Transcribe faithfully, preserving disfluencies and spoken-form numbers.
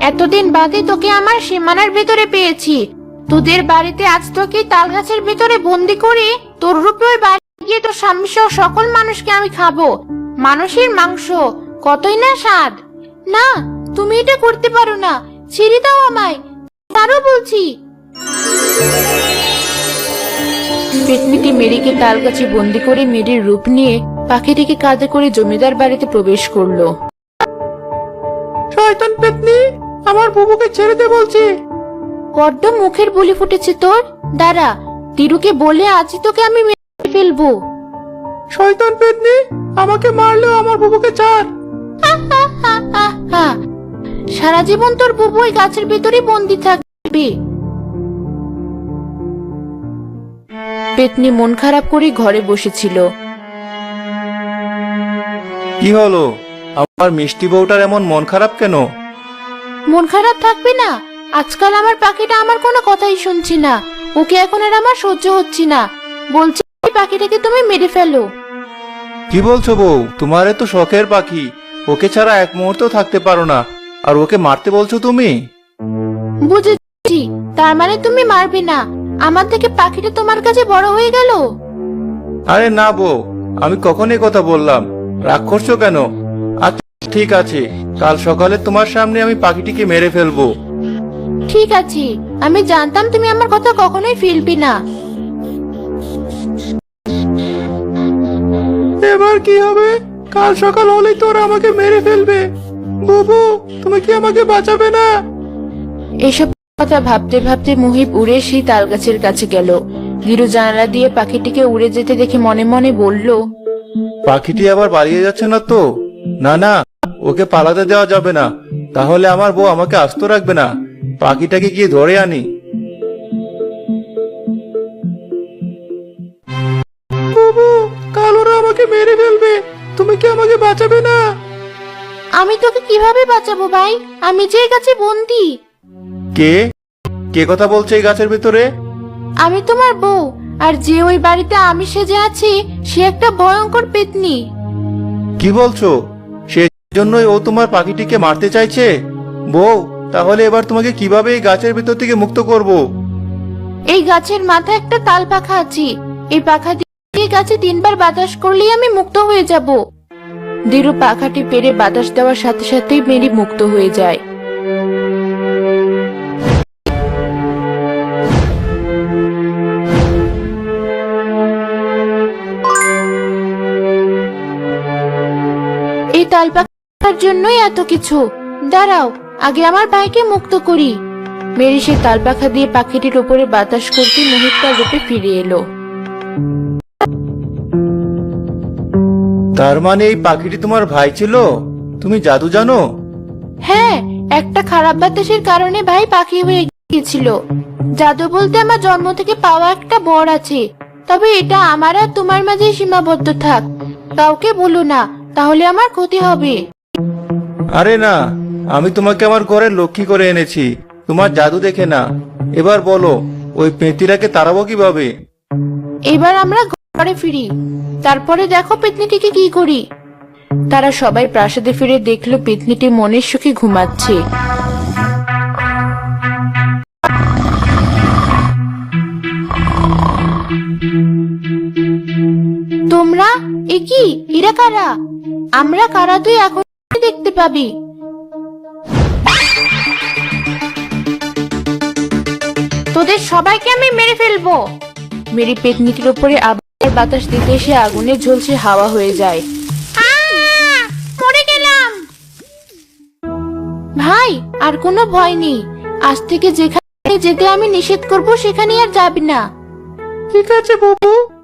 এতদিন বাদে তোকে আমার সীমানার ভেতরে পেয়েছি। তোদের বাড়িতে আজ তোকে তাল গাছের ভেতরে বন্দি করে তোর রূপে ওই বাড়ি গিয়ে তোর স্বামী সহ সকল মানুষকে আমি খাবো। মানুষের মাংস, কতই না স্বাদ। না, তুমি এটা করতে পারো না, ছেড়ে দাও আমায়, তারও বলছি। পেতনিটি মেরিকে তাল গাছে বন্দি করে মেরির রূপ নিয়ে পাখিটিকে কাঁধে করে জমিদার বাড়িতে প্রবেশ করলো। শয়তান পেতনি, আমার বুবুকে ছেড়ে দে বলছি। বড্ড মুখের বুলি ফুটেছে তোর। দাঁড়া, তিরুকে বলে আজই তোকে আমি মেরে ফেলবো। শয়তান পেতনি, আমাকে মারলেও আমার বুবুকে ছাড়। সারা জীবন তোর বুবু ওই গাছের ভেতরে বন্দি থাকবে। পেতনি মন খারাপ করে ঘরে বসেছিল। কি হলো, আমার মিষ্টি বউটার এমন মন খারাপ কেন? মন খারাপ থাকবে না? আজকাল আমার পাখিটা আমার কোনো কথাই শুনছি না। ওকে এখন আর আমার সহ্য হচ্ছে না। বলছি পাখিটাকে তুমি মেরে ফেলো। কি বলছো বউ? তোমার তো শখের পাখি, ওকে ছাড়া এক মুহূর্ত থাকতে পারো না, আর ওকে মারতে বলছো তুমি? বুঝেছি, তার মানে তুমি মারবে না। আমার থেকে পাখিটা তোমার কাছে বড় হয়ে গেল। আরে না বউ, আমি কখন এই কথা বললাম? রাগ করছো কেন? আচ্ছা ঠিক আছে, কাল সকালে তোমার সামনে আমি পাখিটিকে মেরে ফেলবো। ঠিক আছে, আমি জানতাম তুমি আমার কথা কখনোই ফেলবে না। এবার কি হবে? কাল সকাল হলেই তোরা আমাকে মেরে ফেলবে। বুবু, তুমি কি আমাকে বাঁচাবে না? এসব কথা ভাবতে ভাবতে মুহিব উড়ে সেই তাল গাছের কাছে গেল। ধীরু জানালা দিয়ে পাখিটিকে উড়ে যেতে দেখে মনে মনে বলল, পাখিটি আবার পালিয়ে যাচ্ছে না তো? না না, ওকে পালাতে দেওয়া যাবে না, তাহলে আমার বউ আমাকে আস্ত রাখবে না। পাখিটাকে গিয়ে ধরে আনি। বুবু, কাল ওরা আমাকে মেরে ফেলবে, তুমি কি আমাকে বাঁচাবে না? আমি তোকে কিভাবে বাঁচাবো ভাই? আমি যে এই গাছে বন্দি। কে কে কথা বলছে এই গাছের ভিতরে? আমি তোমার বউ, আর যে ওই বাড়িতে আমি সেজে আছি সে একটা ভয়ঙ্কর পেতনি। কি বলছো? সেজন্যই ও তোমার পাখিটিকে মারতে চাইছে? বউ, তাহলে এবার তোমাকে কিভাবে এই গাছের ভিতর থেকে মুক্ত করব? এই গাছের মাথায় একটা তাল পাখা আছে। এই পাখা দিয়ে গাছে তিনবার বাতাস করলেই আমি মুক্ত হয়ে যাব। ধীরু পাখাটি পেরে বাতাস দেওয়ার সাথে সাথেই মেরি মুক্ত হয়ে যায়। এই তাল পাখার জন্যই এত কিছু। দাঁড়াও, আগে আমার ভাইকে মুক্ত করি। মেরি সে তাল পাখা দিয়ে পাখিটির উপরে বাতাস করতে মুহিব তার রূপে ফিরে এলো। তার মানে এই পাখিটি তোমার ভাই ছিল? তুমি জাদু জানো? হ্যাঁ, একটা খারাপ বাতাসের কারণে ভাই পাখি হয়ে গিয়েছিল। জাদু বলতে আমার জন্ম থেকে পাওয়া একটা বর আছে, তবে এটা আমার আর তোমার মাঝে সীমাবদ্ধ থাক। কাউকে বলো না, তাহলে আমার ক্ষতি হবে। আরে না, আমি তোমাকে আমার ঘরে লক্ষ্মী করে এনেছি, তোমার জাদু দেখে না। এবার বলো, ওই পেঁতিরাকে তাড়াবো কিভাবে? এবার আমরা ঘরে ফিরি, তারপরে দেখো পেতনিটিকে কি করি। তারা সবাই প্রাসাদে ফিরে দেখলো পেতনিটি মনের সুখে ঘুমাচ্ছে। তোমরা এ কি? এরা কারা? আমরা কারা তুই এখন দেখতে পাবি। তোদের সবাইকে আমি মেরে ফেলবো। মেরি পেতনিটির উপরে আবার বাতাস দিতে এসে আগুনে ঝলসে হাওয়া হয়ে যায়। মরে গেলাম। ভাই, আর কোনো ভয় নেই। আজ থেকে যেখানে যেতে আমি নিষেধ করব সেখানে আর যাবি না। ঠিক আছে বুবু।